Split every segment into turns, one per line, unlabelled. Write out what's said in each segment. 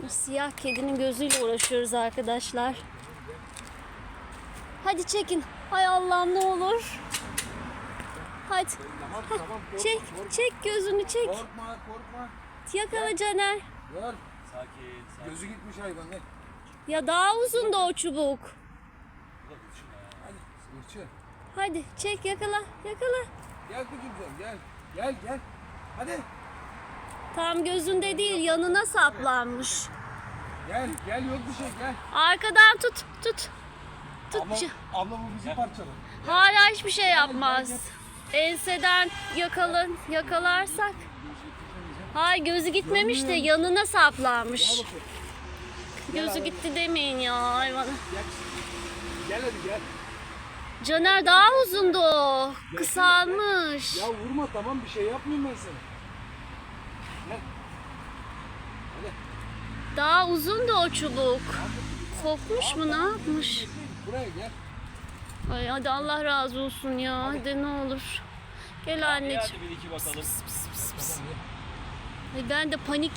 Siyah kedinin gözüyle uğraşıyoruz arkadaşlar. Hadi çekin. Hay Allah'ım ne olur. Hadi.
Tamam.
Çek gözünü çek.
Korkma.
Yakala Caner.
Gör.
Sakin.
Gözü gitmiş hayvan. Ne?
Ya daha uzun da o çubuk.
Hadi. Sırçı.
Hadi çek yakala.
Gel kızım sen gel. Gel. Hadi.
Tam gözünde değil yanına saplanmış.
Gel yok bir şey gel.
Arkadan tut.
Abla bu bizi parçalar.
Hala hiçbir şey yapmaz. Enseden yakalarsak. Hayır gözü gitmemiş de yanına saplanmış. Gözü gitti demeyin ya hayvana.
Gel hadi gel.
Caner daha uzundu o. Kısalmış.
Ya vurma tamam bir şey yapmayayım ben sana. Gel. Hadi.
Daha uzundu o çubuk. Kopmuş mu ne yapmış?
Buraya gel.
Ay hadi Allah razı olsun ya. Hadi ne olur. Gel anneciğim.
Hadi bir iki bakalım.
Ay ben de panik.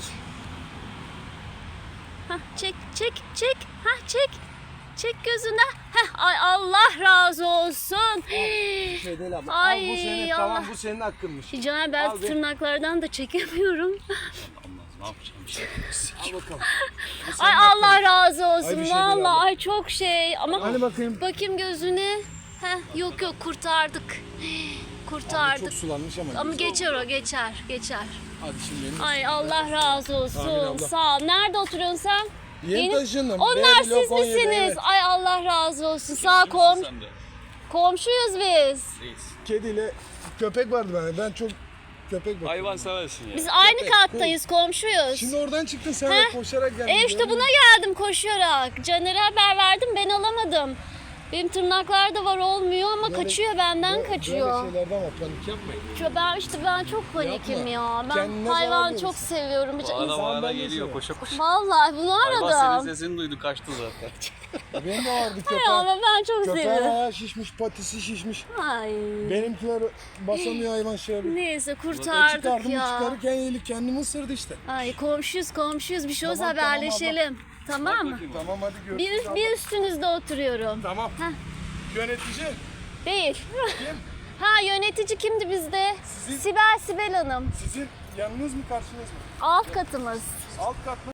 Hah çek. Hah çek. Çek gözüne. Heh, ay Allah razı olsun.
Bir şey değil abla.
Ay,
Al bu senin
Allah.
tamam bu senin hakkınmış.
Caner ben
Al be.
tırnaklardan da çekemiyorum.
Ne yapacağım bir şey.
Al bakalım.
Ay Allah razı
Ay,
olsun.
bir şey değil
Vallahi
abla.
ay çok şey. Ama
Hadi bakayım.
bakayım gözüne. Heh, yok kurtardık. Kurtardık.
Çok sulanmış ama.
Ama geçer o geçer.
Hadi şimdi benim.
Ay Allah razı olsun.
Amin abla.
Sağ ol. Nerede oturuyorsun sen?
Yeni taşındım.
Onlar
B blok
siz
17,
misiniz?
evet.
Ay Allah razı olsun. Sağ ol.
Sen de.
Komşuyuz biz.
Reis.
Kediyle köpek vardı bende. Ben çok köpek bakıyorum.
Hayvan seversin ya.
Biz aynı kattayız, komşuyuz.
Şimdi oradan çıktın sen de koşarak geldin.
İşte buna geldim koşarak. Caner'e haber verdim, ben alamadım. Benim tırnaklarda var olmuyor ama kaçıyor benden kaçıyor.
Böyle şeylerden var panik yapmayın.
Ben çok panikim ya. Ben
Kendine
hayvan
zarar
çok seviyorum.
Bağıra
ben de
geliyor
seviyorum.
koşa koşa.
Vallahi bunu
Hayvan senin
aradım.
sesini duydu kaçtı zaten.
Benim de vardı köpek.
Ya ben çok
Köpeğin
seviyorum.
ayağı şişmiş, patisi şişmiş.
Ay.
Benimkiler basamıyor hayvan şey yapıyor.
Neyse
Çıkardım
kurtardık ya.
çıkarırken yeğlik kendimi ısırdı işte.
Ay komşuyuz bir şey olsa
Tamam, tamam
haberleşelim. Tamam mı?
Tamam hadi görüşürüz.
Bir üstünüzde oturuyorum.
Tamam.
Heh.
Yönetici.
Değil.
Kim?
Ha yönetici kimdi bizde?
Sizin-
Sibel Hanım.
Sizin yanınız mı karşınız mı?
Alt katımız.
Alt kat mı?